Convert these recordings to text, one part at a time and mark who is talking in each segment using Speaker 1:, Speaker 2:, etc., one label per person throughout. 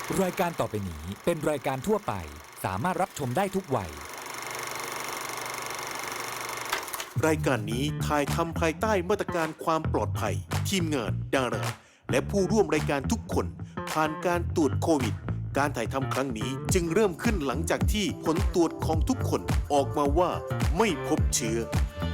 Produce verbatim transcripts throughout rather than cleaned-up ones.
Speaker 1: รายการต่อไปนี้เป็นรายการทั่วไปสามารถรับชมได้ทุกวัย
Speaker 2: รายการนี้ถ่ายทำภายใต้มาตรการความปลอดภัยทีมงานดาราและผู้ร่วมรายการทุกคนผ่านการตรวจโควิดการถ่ายทำครั้งนี้จึงเริ่มขึ้นหลังจากที่ผลตรวจของทุกคนออกมาว่าไม่พบเชื้อ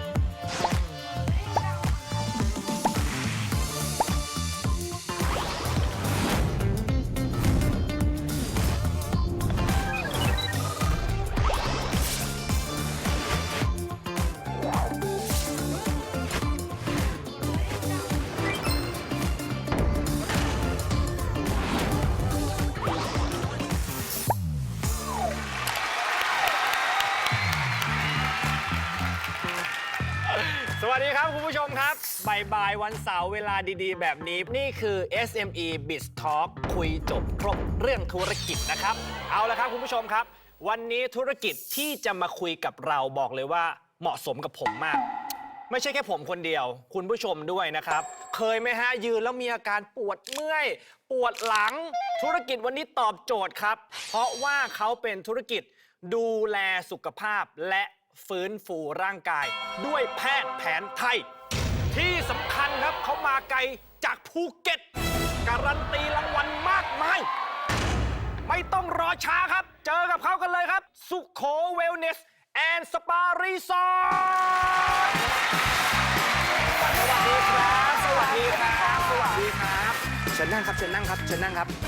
Speaker 3: สวัสดีครับคุณผู้ชมครับบ่ายๆวันเสาร์เวลาดีๆแบบนี้นี่คือ เอส เอ็ม อี Biz Talk คุยจบครบเรื่องธุรกิจนะครับเอาละครับคุณผู้ชมครับวันนี้ธุรกิจที่จะมาคุยกับเราบอกเลยว่าเหมาะสมกับผมมากไม่ใช่แค่ผมคนเดียวคุณผู้ชมด้วยนะครับเคยไหมฮะยืนแล้วมีอาการปวดเมื่อยปวดหลังธุรกิจวันนี้ตอบโจทย์ครับเพราะว่าเขาเป็นธุรกิจดูแลสุขภาพและฟื้นฟูร่างกายด้วยแพทย์แผนไทยที่สำคัญครับเขามาไกลจากภูเก็ตการันตีรางวัลมากมายไม่ต้องรอช้าครับเจอกับเขากันเลยครับสุโขเวลเนสแอนด์สปารีสอร์ทสวัสดีครับสวัสดีครับสวัสดีครับเชิญนั่งครับเชิญนั่งครับเชิญนั่งครับ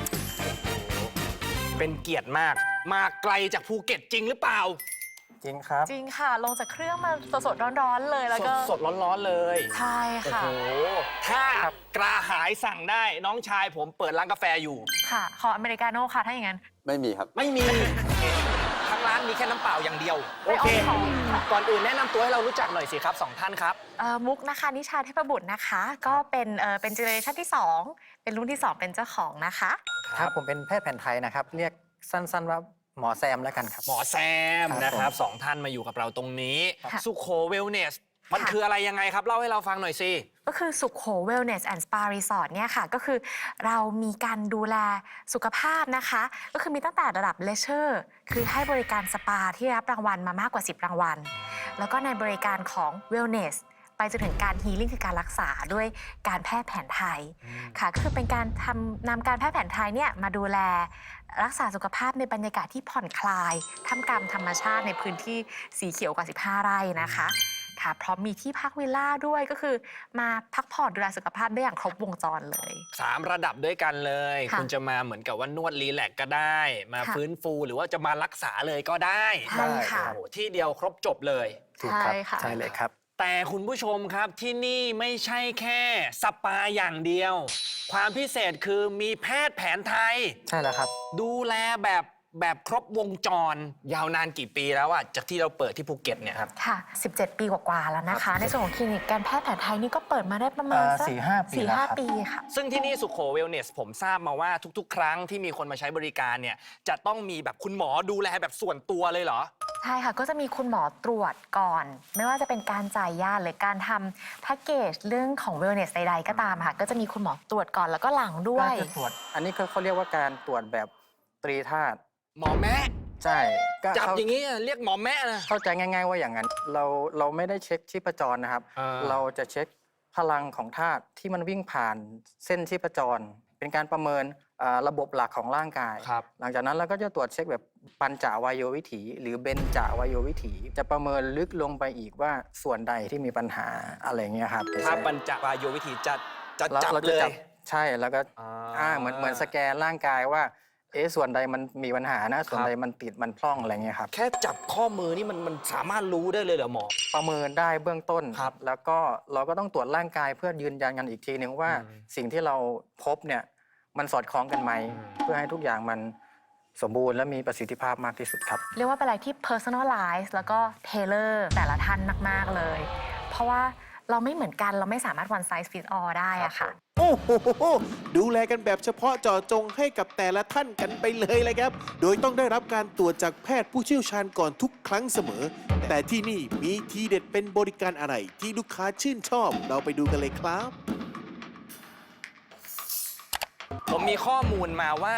Speaker 3: เป็นเกียรติมากมาไกลจากภูเก็ตจริงหรือเปล่า
Speaker 4: จริงครับ
Speaker 5: จริงค่ะลงจากเครื่องมาสดๆร้อนๆเลยแล้วก็
Speaker 3: สดร้อนๆเลย
Speaker 5: ใช่ค่ะ
Speaker 3: โอ้โหถ้ากระหายสั่งได้น้องชายผมเปิดร้านกาแฟอยู่
Speaker 5: ค่ะขออเมริกาโน่ค่ะถ้าอย่างนั้น
Speaker 4: ไม่มีครับ
Speaker 3: ไม่มีทางร้านมีแค่น้ำเปล่าอย่างเดียวโอเค
Speaker 5: ไม่เอาของค่ะ
Speaker 3: ก่อนอื่นแนะนำตัวให้เรารู้จักหน่อยสิครับสองท่านครับ
Speaker 5: เอ่อมุกนะคะนิชาเทพบุตรนะคะก็เป็นเอ่อเป็นเจเนอเรชันที่สองเป็นรุ่นที่สองเป็นเจ้าของนะคะ
Speaker 4: ครับผมเป็นแพทย์แผนไทยนะครับเรียกสั้นๆว่าหมอแซมแล้วกันครับ
Speaker 3: หมอแซมนะครับสองท่านมาอยู่กับเราตรงนี้สุโขเวลเนสมันคืออะไรยังไงครับเล่าให้เราฟังหน่อยสิ
Speaker 5: ก็คือสุขโข Wellness and Spa Resort เนี่ยค่ะก็คือเรามีการดูแลสุขภาพนะคะก็คือมีตั้งแต่ระดับเลเชอร์คือให้บริการสปาที่รับรางวัลมามากกว่าสิบรางวัลแล้วก็ในบริการของ Wellness ไปจนถึงการฮีลิ่งคือการรักษาด้วยการแพทย์แผนไทยค่ะก็คือเป็นการทำนำการแพทย์แผนไทยเนี่ยมาดูแลรักษาสุขภาพในบรรยากาศที่ผ่อนคลายท่ามกลางธรรมชาติในพื้นที่สีเขียวกว่าสิบห้าไร่นะคะค่ะพร้อมมีที่พักวิลล่าด้วยก็คือมาพักผ่อนดูแลสุขภาพได้อย่างครบวงจรเลย
Speaker 3: สามระดับด้วยกันเลยคุณจะมาเหมือนกับว่านวดรีแลกซ์ก็ได้มาฟื้นฟูหรือว่าจะมารักษาเลยก็ได้
Speaker 5: ใช่ค่ะ
Speaker 3: ที่เดียวครบจบเลย
Speaker 4: ถูกครับใช่เลยครับ
Speaker 3: แต่คุณผู้ชมครับที่นี่ไม่ใช่แค่สปาอย่างเดียวความพิเศษคือมีแพทย์แผนไทย
Speaker 4: ใช่แล้วครับ
Speaker 3: ดูแลแบบแบบครบวงจรยาวนานกี่ปีแล้วอะจากที่เราเปิดที่ภูเก็ตเนี่ยครับ
Speaker 5: ค่ะสิบเจ็ดปีกว่าๆแล้วนะคะในส่วนของคลินิกการแพทย์แผนไทยนี่ก็เปิดมาได้ประมาณสัก
Speaker 4: สี่ห้า ปี
Speaker 5: สี่ห้า ปีค่ะ
Speaker 3: ซึ่งที่นี่สุโขเวลเนสผมทราบมาว่าทุกๆ ครั้งที่มีคนมาใช้บริการเนี่ยจะต้องมีแบบคุณหมอดูแลแบบส่วนตัวเลยเหรอ
Speaker 5: ใช่ค่ะก็จะมีคุณหมอตรวจก่อนไม่ว่าจะเป็นการจ่ายยาหรือการทำแพ็กเกจเรื่องของเวลเนสใดๆก็ตามค่ะก็จะมีคุณหมอตรวจก่อนแล้วก็หลังด้วย
Speaker 4: การตรวจอันนี้เขาเรียกว่าการตรวจแบบตรีธาตุ
Speaker 3: หมอแม่
Speaker 4: ใช่
Speaker 3: จับอย่างนี้เรียกหมอแม่นะ
Speaker 4: เข้าใจง่ายๆว่าอย่างนั้นเราเราไม่ได้เช็คชีพจรนะครับเราจะเช็คพลังของธาตุที่มันวิ่งผ่านเส้นชีพจรเป็นการประเมินระบบหลักของร่างกายหลังจากนั้นเราก็จะตรวจเช็คแบบปัญจวัโยวิถีหรือเบญจวัโยวิถีจะประเมินลึกลงไปอีกว่าส่วนใดที่มีปัญหาอะไรเงี้ยครับ
Speaker 3: ถ้าปัญจวัโยวิถีจะจะจับเลย
Speaker 4: ใช่แล้วก็อ่าเหมือนเหมือนสแกนร่างกายว่าเอ๊ะส่วนใดมันมีปัญหานะส่วนใดมันติดมันพร่องอะไรเงี้ยครับ
Speaker 3: แค่จับข้อมือนี่มันมันสามารถรู้ได้เลยเหรอหมอ
Speaker 4: ประเมินได้เบื้องต้นแล้วก็เราก็ต้องตรวจร่างกายเพื่อยืนยันกันอีกทีนึงว่าสิ่งที่เราพบเนี่ยมันสอดคล้องกันไหมเพื่อให้ทุกอย่างมันสมบูรณ์และมีประสิทธิภาพมากที่สุดครับ
Speaker 5: เรียกว่าเป็นอะไรที่ personalize แล้วก็ tailor แต่ละท่านมากๆเลยเพราะว่าเราไม่เหมือนกันเราไม่สามารถ one size fit all ได้อะค่ะ
Speaker 2: โอ้โหดูแลกันแบบเฉพาะเจาะจงให้กับแต่ละท่านกันไปเลยเลยครับโดยต้องได้รับการตรวจจากแพทย์ผู้เชี่ยวชาญก่อนทุกครั้งเสมอแต่ที่นี่มีทีเด็ดเป็นบริการอะไรที่ลูกค้าชื่นชอบเราไปดูกันเลยครับ
Speaker 3: ผมมีข้อมูลมาว่า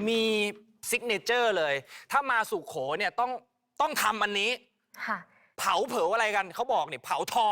Speaker 3: มีซิกเนเจอร์เลย ถ้ามาสุโขเนี่ยต้องต้องทำอันนี้
Speaker 5: ค่ะ
Speaker 3: เผาเผาอะไรกันเขาบอกเนี่ยเผาท้อง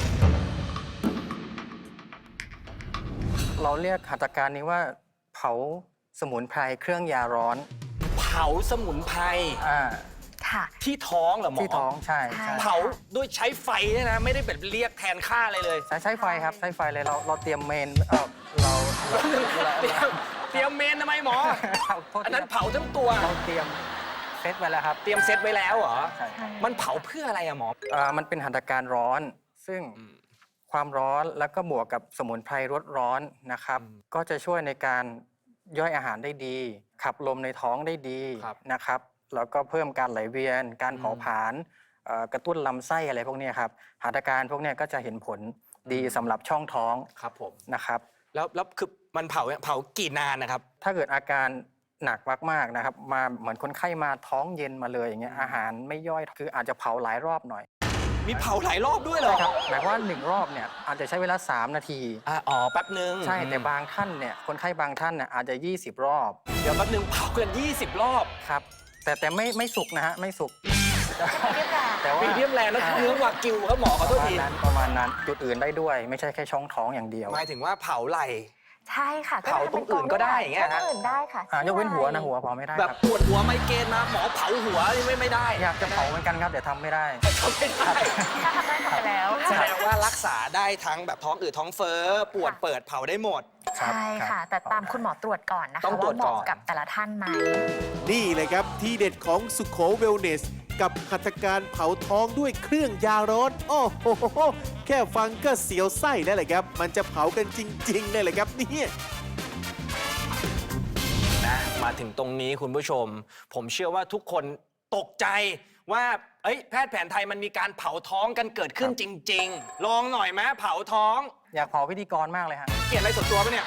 Speaker 4: เราเรียกหัตถการนี้ว่าเผาสมุนไพรเครื่องยาร้อน
Speaker 3: เผาสมุนไพร
Speaker 4: อ่า
Speaker 5: ค่ะ
Speaker 3: ที่ท้องเหรอหมอ
Speaker 4: ที่ท้องใช่
Speaker 5: ใช่
Speaker 4: ใช่
Speaker 3: เผาด้วยใช้ไฟเนี่ยนะ ไม่ได้แบบเรียกแทนค่าอะไรเลย
Speaker 4: ใช้ใช้ไฟครับใช้ไฟเลยเราเราเตรียมเมนเออเราเราเรา
Speaker 3: เตรียมเตรียมเมนทำไมหมอ
Speaker 4: เราโทษ
Speaker 3: อัน
Speaker 4: ที
Speaker 3: นั้น
Speaker 4: ครับ
Speaker 3: เผาทั้งตัว
Speaker 4: เราเตรียมเซตไว้แล้วครับ
Speaker 3: เตรียมเซตไว้แล้วเหรอ
Speaker 4: ใช่
Speaker 5: ใช่
Speaker 3: มันเผาเพื่ออะไรอะหมอ
Speaker 4: อ่ามันเป็นหัตถการร้อน ซึ่งความร้อนแล้วก็บวกกับสมุนไพรรสร้อนนะครับ ก็จะช่วยในการย่อยอาหารได้ดี ขับลมในท้องได้ดี
Speaker 3: ครับ
Speaker 4: นะครับแล้วก็เพิ่มการไหลเวียน การเผาผลาญเอ่อกระตุ้นลำไส้อะไรพวกเนี้ยครับหัตถการพวกเนี้ยก็จะเห็นผลดีสำหรับช่องท้อง
Speaker 3: ครับผม
Speaker 4: นะครับ
Speaker 3: แล้วแล้วคือมันเผาเผากี่นานนะครับ
Speaker 4: ถ้าเกิดอาการหนักมากๆนะครับมาเหมือนคนไข้มาท้องเย็นมาเลยอย่างเงี้ยอาหารไม่ย่อยคืออาจจะเผาหลายรอบหน่อย
Speaker 3: มีเผาหลายรอบด้วยเหรอ
Speaker 4: ครับหมายความว่าหนึ่งรอบเนี่ยอาจจะใช้เวลา สาม นาที
Speaker 3: อ่ะอ๋อแป๊บนึง
Speaker 4: ใช่แต่บางท่านเนี่ยคนไข้บางท่านเนี่ยอาจจะ ยี่สิบ รอบ
Speaker 3: เดี๋ยวแป๊บนึงเผาเกินยี่สิบรอบ
Speaker 4: ครับแต่แต่ไม่ไม่สุกนะฮะไม่สุก
Speaker 5: เรียบร้อย
Speaker 4: แต่ว่า
Speaker 3: มีเดียมแรงแล้วเนื้อวากิวครับหมอขอ
Speaker 4: ป
Speaker 3: โทษ
Speaker 4: ระมาณ
Speaker 3: ที
Speaker 4: นั้นประมาณนั้นจุดอื่นได้ด้วย ไม่ใช่แค่ช่องท้องอย่างเดียว
Speaker 3: หมายถึงว่าเผาไหล่
Speaker 5: ใช่ค่ะ
Speaker 3: เผาตรงอื่นก็ได้อย่างเงี้ยฮะ
Speaker 5: ตรงอื่นได้ค่ะ
Speaker 4: อ่ายกเว้นหัวนะหัวเผาไม่ได้
Speaker 3: แบบ
Speaker 4: ครับ
Speaker 3: ปวดหัวไมเกรนมาหมอเผาหัวนี่ไม่ไม่ได้
Speaker 4: อยากจะเผาเหมือนกันครับแต่ทำไม่ได้
Speaker 3: ทำไม่ได้
Speaker 5: ถ้าทำได้ทำไปแล้ว
Speaker 3: แสดงว่ารักษาได้ทั้งแบบท้องอืดท้องเฟ้อปวดเปิดเผาได้หมด
Speaker 5: ใช่ค่ะ แต่ตามคุณหมอตรวจก่อนนะคะ
Speaker 3: ต้องตรว
Speaker 5: ว่า
Speaker 3: จ
Speaker 5: เห
Speaker 3: ก่อน
Speaker 5: มาะกับแต่ละท่านไหม
Speaker 2: นี่เลยครับที่เด็ดของสุโขเวลเนส กับหัตถการเผาท้องด้วยเครื่องยาร้อนโอ้โหแค่ฟังก็เสียวไส้แล้วแหละครับ มันจะเผากันจริงๆเลยแหละครับเนี่ย
Speaker 3: นะมาถึงตรงนี้คุณผู้ชม ผมเชื่อว่าทุกคนตกใจว่าเอ้ยแพทย์แผนไทยมันมีการเผาท้องกันเกิดขึ้นจริง ๆ ลองหน่อยไหมเผาท้อง
Speaker 4: อยากเผาพิธีกรมากเลยฮะ
Speaker 3: เกลียดอะไรส่วนตัวปะเนี่ย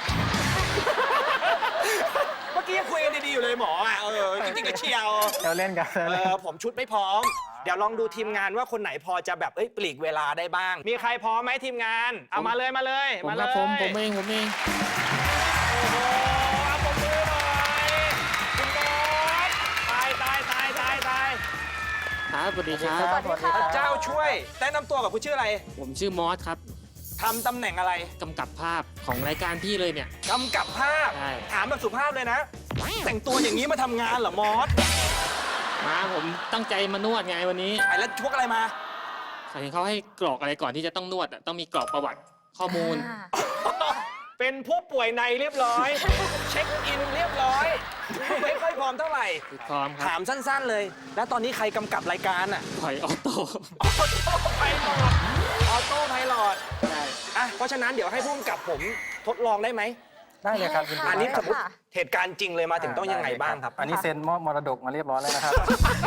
Speaker 3: เมื่อกี้ยังคุยกันดีๆอยู่เลยหมออ่ะเออจริงๆก็เชียว
Speaker 4: เราเล่นกัน
Speaker 3: เออผมชุดไม่พร้อม เดี๋ยวลองดูทีมงานว่าคนไหนพอจะแบบเอ้ยปลีกเวลาได้บ้าง มีใครพร้อมไหมทีมงาน เอามาเลยมาเลย
Speaker 6: ผม
Speaker 3: มา
Speaker 6: ค
Speaker 3: เล
Speaker 6: รับ
Speaker 3: ย
Speaker 6: ผมผมเองผมเอง
Speaker 3: โอ้โหเอาปมมือหน่อยคุณบอสตายตายตายตายตาย
Speaker 6: ครับสวัสดีครับ
Speaker 5: สวัสดีค่ะ
Speaker 3: พระเจ้าช่วยแนะนำตัวกับคุณชื่ออะไร
Speaker 6: ผมชื่อมอสครับ
Speaker 3: ทำตำแหน่งอะไร
Speaker 6: กำกับภาพของรายการพี่เลยเนี่ย
Speaker 3: กำกับภาพ
Speaker 6: ใช่
Speaker 3: ถามแบบสุภาพเลยนะ แต่งตัวอย่างนี้มาทำงานเหรอมอส
Speaker 6: มาผมตั้งใจมานวดไงวันนี้
Speaker 3: ไอ้แล้วพวกอะไรมา
Speaker 6: เห็นเขาให้กรอกอะไรก่อนที่จะต้องนวดอะต้องมีกรอกประวัติข้อมูล
Speaker 5: อ่า
Speaker 3: เป็นผู้ป่วยในเรียบร้อย เช็คอินเรียบร้อยไม่ค่อยพร้อมเท่าไหร่
Speaker 6: พร้อมครั
Speaker 3: ถา
Speaker 6: บ
Speaker 3: มสั้นๆเลย แล้วตอนนี้ใครกำกับรายการอ่ะ
Speaker 6: ถอยออโต้
Speaker 3: ออโต้ไพลอตออโต้ไพลอต
Speaker 6: ใช่
Speaker 3: อ่ะเพราะฉะนั้นเดี๋ยวให้ผู้กำกับผมทดลองได้ไหม
Speaker 4: ได้เลยครับยินดี
Speaker 3: อันนี้
Speaker 4: ค
Speaker 3: ส
Speaker 4: รับ
Speaker 3: มมติเหตุการณ์จริงเลยมาถึงต้องยังไงบ้างครับ
Speaker 4: อันนี้เซ็นมอบมรดกมาเรียบร้อยแล้วนะครับ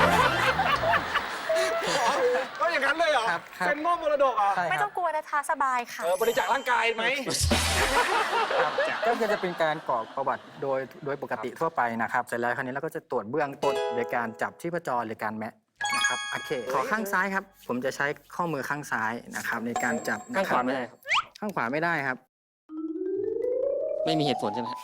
Speaker 3: ก็อย่างนั้นเลยเหรอ
Speaker 4: ครับครับ
Speaker 3: เป็นมอบมรดกเหรอ่ะ
Speaker 4: ใช่
Speaker 5: ไม่
Speaker 4: ค
Speaker 5: ต้
Speaker 4: รั
Speaker 5: อบ งกลัวนะคะสบายค่ะ
Speaker 3: เออบริจาคร่างกายไหม
Speaker 4: ครับก็คือจะเป็นการกรอกประวัติโดยโดยปกติทั่วไปนะครับ เสร็จแล้วคราวนี้เราก็จะตรวจเบื้องต้นโดยการจับชีพจรหรือการแมะนะครับโอเคขอข้างซ้ายครับ ผมจะใช้ข้อมือข้างซ้ายนะครับในการจับ
Speaker 6: ข้าง
Speaker 4: นะค
Speaker 6: ข
Speaker 4: รั
Speaker 6: วา
Speaker 4: บ
Speaker 6: ไม่ได้ครับ
Speaker 4: ข้างขวาไม่ได้ครับ
Speaker 6: ไม่มีเหตุผลใช่ไหม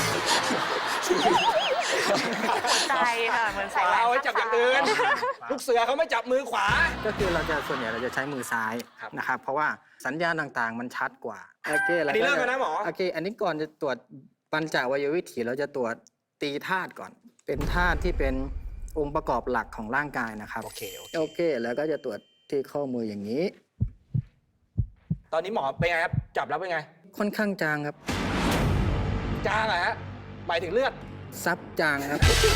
Speaker 5: ใจค่ะ เหมือนใส่แหวน
Speaker 3: เอาไว้จับอย่างอื่น ลูกเสือเขาไม่จับมือขวา
Speaker 4: ก็คือเราจะส่วนใหญ่เราจะใช้มือซ้าย
Speaker 3: ครับ
Speaker 4: นะครับ เพราะว่าสัญญาณต่างๆ มันชัดกว่าโอเคแล้ว
Speaker 3: อันนี้เริ่มแล้วนะหมอ
Speaker 4: โอเค อันนี้ก่อนจะตรวจปัญจวัยวิถีเราจะตรวจตีธาตุก่อน เป็นธาตุที่เป็นองค์ประกอบหลักของร่างกายนะครับ
Speaker 3: โอเคโอเค
Speaker 4: โอเค แล้วก็จะตรวจที่ข้อมืออย่างนี้
Speaker 3: ตอนนี้หมอเป็นไงครับ จับแล้วเป็นไง
Speaker 4: ค่อนข้างจางครับ
Speaker 3: จางเหรอฮะ หมายถึงเลือด
Speaker 4: ซับจางครับ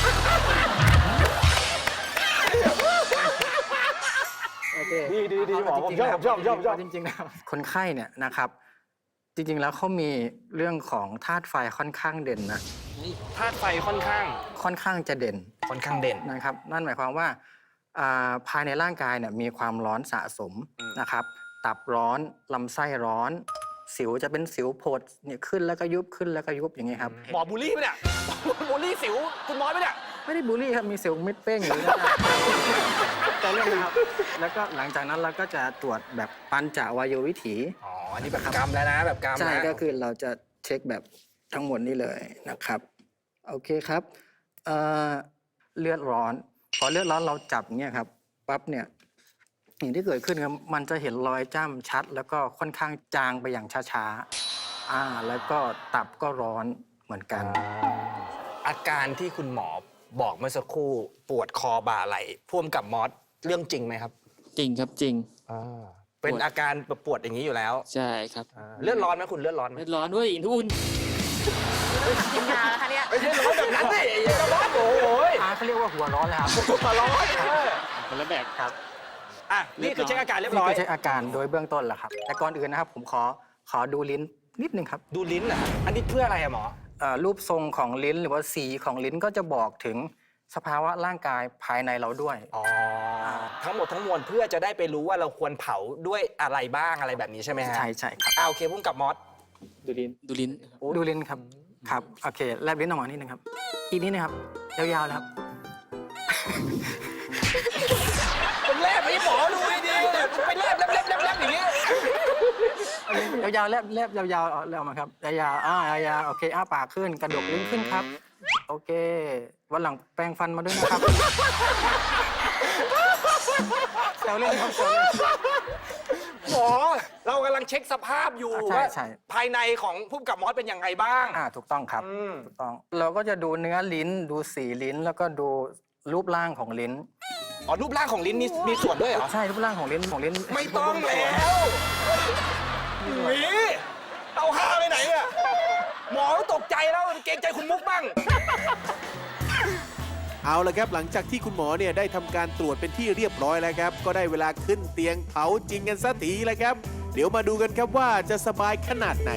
Speaker 4: โอเค
Speaker 3: ดีดีดีหมอผมชอบผมชอบผมชอบผมชอบ
Speaker 4: จริงๆแล้วคนไข้เนี่ยนะครับ จริงๆแล้วเขามีเรื่องของธาตุไฟค่อนข้างเด่นนะ
Speaker 3: ธาตุไฟค่อนข้าง
Speaker 4: ค่อนข้างจะเด่น
Speaker 3: ค่อนข้างเด่น
Speaker 4: นะครับ นั่นหมายความว่าอ่าภายในร่างกายเนี่ยมีความร้อนสะสม
Speaker 3: อืม
Speaker 4: นะครับ ตับร้อนลำไส้ร้อน สิวจะเป็นสิวโผดเนี่ยขึ้นแล้วก็ยุบขึ้นแล้วก็ยุบอย่างเงี้ยครับ
Speaker 3: หมอบูลลี่ปะเนี่ย บูลลี่สิวคุณน้อยปะเนี่ย
Speaker 4: ไม่ได้บูลลี่ครับมีสิวเม็ดเป้งอยู่นะครับแต่เรื่องนะครับ แล้วก็หลังจากนั้นเราก็จะตรวจแบบปัญจวัยวิถี
Speaker 3: อ๋อ อันนี้แบบกรรมแล้วนะ แบบกรรม
Speaker 4: ใช่
Speaker 3: นะ
Speaker 4: ก็คือเราจะเช็คแบบทั้งหมดนี้เลยนะครับ โอเคครับเอ่อเลือดร้อน พอเลือดร้อนเราจับเนี่ยครับปั๊บเนี่ยสิ่งที่เกิดขึ้นครับมันจะเห็นรอยจ้ำชัด แล้วก็ค่อนข้างจางไปอย่างช้าๆอ่าแล้วก็ตับก็ร้อนเหมือนกัน
Speaker 3: อาการที่คุณหมอบอกเมื่อสักครู่ปวดคอบ่าไหล่พ่วงกับมอสเรื่องจริงไหมครับ
Speaker 6: จริงครับจริง
Speaker 3: เป็นอาการปวดอย่างนี้อยู่แล้ว
Speaker 6: ใช่ครับ
Speaker 3: เลือดร้อนไหมคุณเลือดร้อนไหม
Speaker 6: เลือดร้อนด้วยทุน
Speaker 5: กินยาแล้วคะเนี่ย
Speaker 3: ไม่ใช่ร้อนแบบนั้นสิจะร้อนโอ้โห
Speaker 4: อ่าเขาเรียกว่าหัวร้อนเลยครับ
Speaker 3: หัวร้อนเออ
Speaker 6: คนละแบบครับ
Speaker 3: อ่ะนี่คือเช็คอาการเรียบ
Speaker 4: นี่
Speaker 3: ร้อย
Speaker 4: คือเช็คอาการโดยเบื้องต้นแหละครับ แต่ก่อนอื่นนะครับ ผมขอขอดูลิ้นนิดนึงครับ
Speaker 3: ดูลิ้นนะอันนี้เพื่ออะไรอะหมอ
Speaker 4: เอ่อรูปทรงของลิ้นหรือว่าสีของลิ้นก็จะบอกถึงสภาวะร่างกายภายในเราด้วย
Speaker 3: อ๋อ ทั้งหมดทั้งมวลเพื่อจะได้ไปรู้ว่าเราควรเผาด้วยอะไรบ้างอะไรแบบนี้ใช่ไหมฮะ
Speaker 4: ใช่ใช่ครับ
Speaker 3: อ่าโอเคพุ่งกับมอส
Speaker 6: ดูลิ้นดูลิ้น
Speaker 4: ดูลิ้นครับครับโอเคแลบลิ้นออกมานิดนึงครับอีกนิดนึงครับยาวๆเลยครับ
Speaker 3: ผมแลบไปให้หมอดูให้ดีเนี่ยไปแลบแลบแลบแลบแลบอย่างนี้
Speaker 4: ยาวๆแลบแลบยาวๆเอาแลบออกมาครับยาวๆอ่ายาวๆโอเคอ้าปากขึ้นกระดกลิ้นขึ้นครับ โอเค วันหลังแปรงฟันมาด้วยนะครับแซวเล่นครับแซวเล่น
Speaker 3: หมอเรากำลังเช็คสภาพอยู่
Speaker 4: อ่าใช่
Speaker 3: ว่า
Speaker 4: ใช่
Speaker 3: ภายในของพุ่มกับมอสเป็นยังไงบ้าง
Speaker 4: อ่าถูกต้องครับ
Speaker 3: อืม
Speaker 4: ถูกต้อง เราก็จะดูเนื้อลิ้นดูสีลิ้นแล้วก็ดูรูปร่างของลิ้น
Speaker 3: อ๋อรูปร่างของลิ้นมีมีส่วนด้วยเหรอ
Speaker 4: ใช่รูปร่างของลิ้นของลิ้น
Speaker 3: ไม่ต้องแล้วหนีเอาห้าไปไหนเนี่ยหมอตกใจแล้วเกรงใจคุณมุกบ้าง
Speaker 2: เอาละครับหลังจากที่คุณหมอเนี่ยได้ทำการตรวจเป็นที่เรียบร้อยแล้วครับ ก็ได้เวลาขึ้นเตียงเผาจริงกันสักทีแล้วครับ เดี๋ยวมาดูกันครับว่าจะสบายขนาดไหน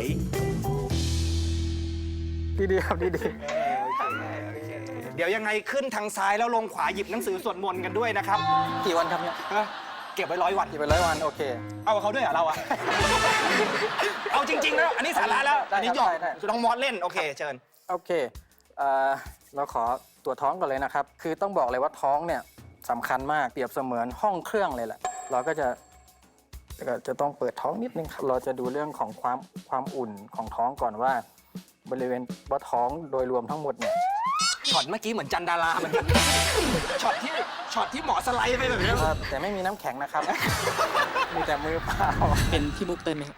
Speaker 4: ดีๆครับดี
Speaker 3: เดี๋ยวยังไงขึ้นทางซ้ายแล้วลงขวาหยิบหนังสือสวดมนต์กันด้วยนะครับ
Speaker 4: ๆกี่วันครับเนี่ย
Speaker 3: ฮะเก็บไว้ร้อยวัน
Speaker 4: กี่เป็นร้อยวันโอเค
Speaker 3: เอากับเขาด้วยเหรอเราอะ เอาจริงๆแล้วอันนี้สาระแล้ว
Speaker 4: ได้ครับ
Speaker 3: อันนี้หยอก
Speaker 4: ได้ได้
Speaker 3: น้องมอสเล่นโอเคเชิญ
Speaker 4: โอเคเอ่อเราขอตรวจท้องก่อนเลยนะครับ คือต้องบอกเลยว่าท้องเนี่ยสำคัญมาก เปรียบเสมือนห้องเครื่องเลยแหละ เราก็จะก็จะต้องเปิดท้องนิดนึงครับ เราจะดูเรื่องของความความอุ่นของท้องก่อนว่า บริเวณว่าท้องโดยรวมทั้งหมดเนี่ย
Speaker 3: ช็อตเมื่อกี้เหมือนจันดาราเหมือนกัน ช็อตที่ช็อตที่หมอสไลด์ไปแบบนี้
Speaker 4: เอ่อแต่ไม่มีน้ำแข็งนะครับ มีแต่มือเปล่า
Speaker 6: เป็นพี่มุกเต้นไหมครับ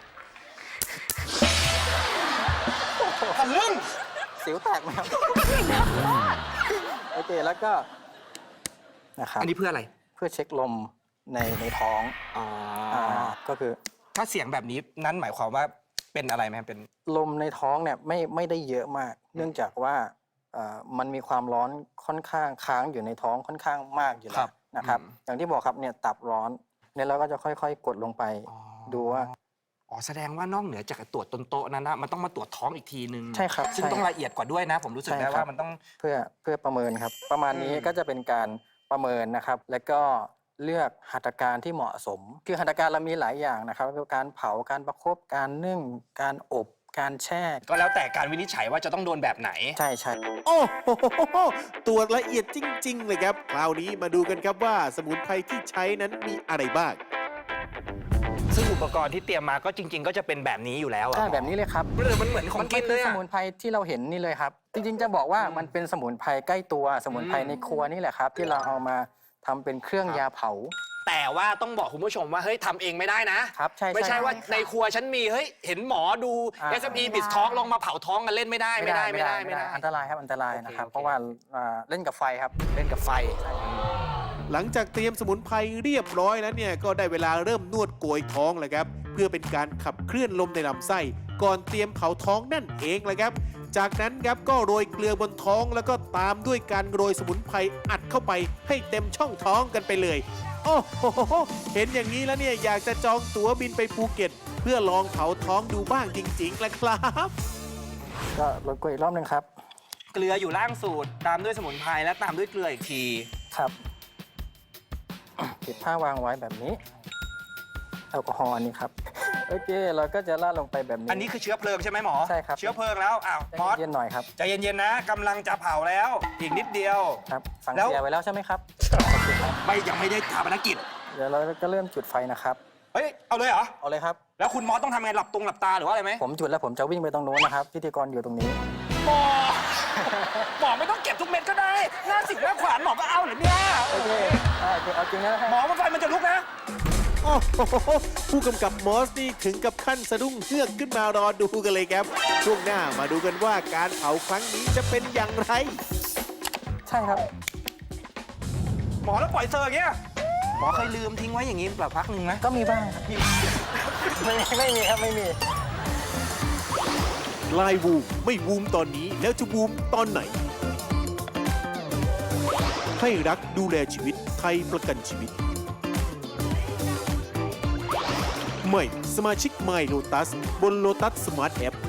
Speaker 3: ทะลึ่ง
Speaker 4: สิวแตกไหมครับ โอเคแล้วก็นะครับ
Speaker 3: อันนี้เพื่ออะไร
Speaker 4: เพื่อเช็คลมในในท้อง
Speaker 3: อ๋อ
Speaker 4: อ่าก็คือ
Speaker 3: ถ้าเสียงแบบนี้นั้นหมายความว่าเป็นอะไรไหมเป็น
Speaker 4: ลมในท้องเนี่ยไม่ไม่ได้เยอะมาก เนื่องจากว่าเอ่อมันมีความร้อนค่อนข้างค้างอยู่ในท้องค่อนข้างมากอยู่
Speaker 3: ค
Speaker 4: แล้
Speaker 3: รั
Speaker 4: ว
Speaker 3: บ
Speaker 4: นะครับ
Speaker 3: อืม
Speaker 4: อย่างที่บอกครับเนี่ยตับร้อนเนี่ยเราก็จะค่อยๆ กดลงไป
Speaker 3: อ๋อ
Speaker 4: ดูว่า
Speaker 3: อ๋อแสดงว่านอกเหนือจากตรวจต้นโต๊ะนั้นนะมันต้องมาตรวจท้องอีกทีนึง
Speaker 4: ใช่ครับ
Speaker 3: ซึ่ง
Speaker 4: ใช่
Speaker 3: ต้องละเอียดกว่าด้วยนะ ผมรู้สึก
Speaker 4: ใช่
Speaker 3: ได้
Speaker 4: ครั
Speaker 3: ว่า
Speaker 4: บ
Speaker 3: มันต้อง
Speaker 4: เพื่อเพื่อประเมินครับ ประมาณนี้
Speaker 3: อืม
Speaker 4: ก็จะเป็นการประเมินนะครับ แล้วก็เลือกหัตถการที่เหมาะสม คือหัตถการเรามีหลายอย่างนะครับคือการเผาการประคบการนึ่ง การอบการแช่
Speaker 3: ก็แล้วแต่การวินิจฉัยว่าจะต้องโดนแบบไหน
Speaker 4: ใช่ใช่
Speaker 2: โอ้โหตรวจละเอียดจริง ๆ เลยครับ คราวนี้มาดูกันครับว่าสมุนไพรที่ใช้นั้นมีอะไรบ้าง
Speaker 3: ซึ่งอุปกรณ์ที่เตรียมมาก็จริง ๆ ก็จะเป็นแบบนี้อยู่แล้วอะ
Speaker 4: ใช่แบบนี้เลยครับ
Speaker 3: หรือมันเหมือนของกินเลย
Speaker 4: มัคือส
Speaker 3: อะ
Speaker 4: มุนไพรที่เราเห็นนี่เลยครับ จริงๆจะบอกว่า
Speaker 3: อืม
Speaker 4: มันเป็นสมุนไพรใกล้ตัวสมุนไพร
Speaker 3: อืม
Speaker 4: ในครัวนี่แหละครับ ที่เราเอามาทำเป็นเครื่อง
Speaker 3: ครับ
Speaker 4: ยาเผา
Speaker 3: แต่ว่าต้องบอกคุณผู้ชมว่าเฮ้ยทำเองไม่ได้นะ
Speaker 4: ครับใช่
Speaker 3: ไม่ใช่ว่า
Speaker 5: ใช่ค่ะ
Speaker 3: ในครัวฉันมีเฮ้ยเห็นหมอดู
Speaker 4: อ่า
Speaker 3: เอส เอ็ม อี บิสทอกลงมาเผาท้องกันเล่นไม่ได้ไม่ได้ไม่ได้ไม่ได้
Speaker 4: อันตรายครับอันตรายนะครับ
Speaker 3: โอเค
Speaker 4: เพราะว่าอ่าเล่นกับไฟครับ
Speaker 3: เล่นกับไฟ
Speaker 2: หลังจากเตรียมสมุนไพรเรียบร้อยแล้วเนี่ยก็ได้เวลาเริ่มนวดโกยท้องแล้วครับ เพื่อเป็นการขับเคลื่อนลมในลำไส้ ก่อนเตรียมเผาท้องนั่นเองแหละครับ จากนั้นครับก็โรยเกลือบนท้องแล้วก็ตามด้วยการโรยสมุนไพรอัดเข้าไปให้เต็มช่องท้องกันไปเลย โอ้โหเห็นอย่างนี้แล้วเนี่ยอยากจะจองตั๋วบินไปภูเก็ต เพื่อลองเผาท้องดูบ้างจริงๆแหละครับ
Speaker 4: ก็รบกวนอีกรอบหนึงครับ
Speaker 3: เกลืออยู่ล่างสูตรตามด้วยสมุนไพรและตามด้วยเกลืออีกที
Speaker 4: ครับปิดผ้าวางไว้แบบนี้แอลกอฮอล์อันนี้ครับ โอเค เราก็จะราดลงไปแบบนี้
Speaker 3: อันนี้คือเชื้อเพลิงใช่ไหมหมอ
Speaker 4: ใช่ครับ
Speaker 3: เชื้อเพลิงแล้วอ้าวมอส
Speaker 4: เย็นๆหน่อยครับ
Speaker 3: ใจเย็นๆนะกำลังจะเผาแล้วอีกนิดเดียว
Speaker 4: ครับสั่ง
Speaker 3: แล้ว
Speaker 4: เสียไว้แล้วใช่ไหมครับโอเคครับ
Speaker 3: ไม่ยังไม่ได้ทาปนกิจ
Speaker 4: เดี๋ยวเราก็เริ่มจุดไฟนะครับ
Speaker 3: เฮ้ยเอาเลยเหรอ
Speaker 4: เอาเลยครับ
Speaker 3: แล้วคุณมอสต้องทำไงหลับตรงหลับตาหรือว่าอะไรไหม
Speaker 4: ผมจุดแล้วผมจะวิ่งไปตรงโน้นนะครับ พิธีกรอยู่ตรงนี้
Speaker 3: หมอหมอไม่ต้องเก็บทุกเม็ดก็ได้หน้าสิบหน้าขวานหมอก็เอาเหรอเนี่ย
Speaker 4: โอเคเอาจริงเอาจริงนะ
Speaker 3: หมอว่าไฟมันจะลุกนะ
Speaker 2: โอ้โหผู้กำกับมอสนี่ถึงกับขั้นสะดุ้งเฮือกขึ้นมารอดูกันเลยครับ ช่วงหน้ามาดูกันว่าการเผาครั้งนี้จะเป็นอย่างไร
Speaker 4: ใช่ครับ
Speaker 3: หมอแล้วปล่อยเซอร์อย่างเงี้ยหมอเคยลืมทิ้งไว้อย่างงี้เปล่าพักหนึ่งไหม
Speaker 4: ก็มีบ้างครับไม่ไม่มีครับไม่มี
Speaker 2: ลายวูมไม่วูมตอนนี้แล้วจะวูมตอนไหน ให้รักดูแลชีวิตไทยประกันชีวิต ใหม่สมาชิก My Lotus บน Lotus Smart App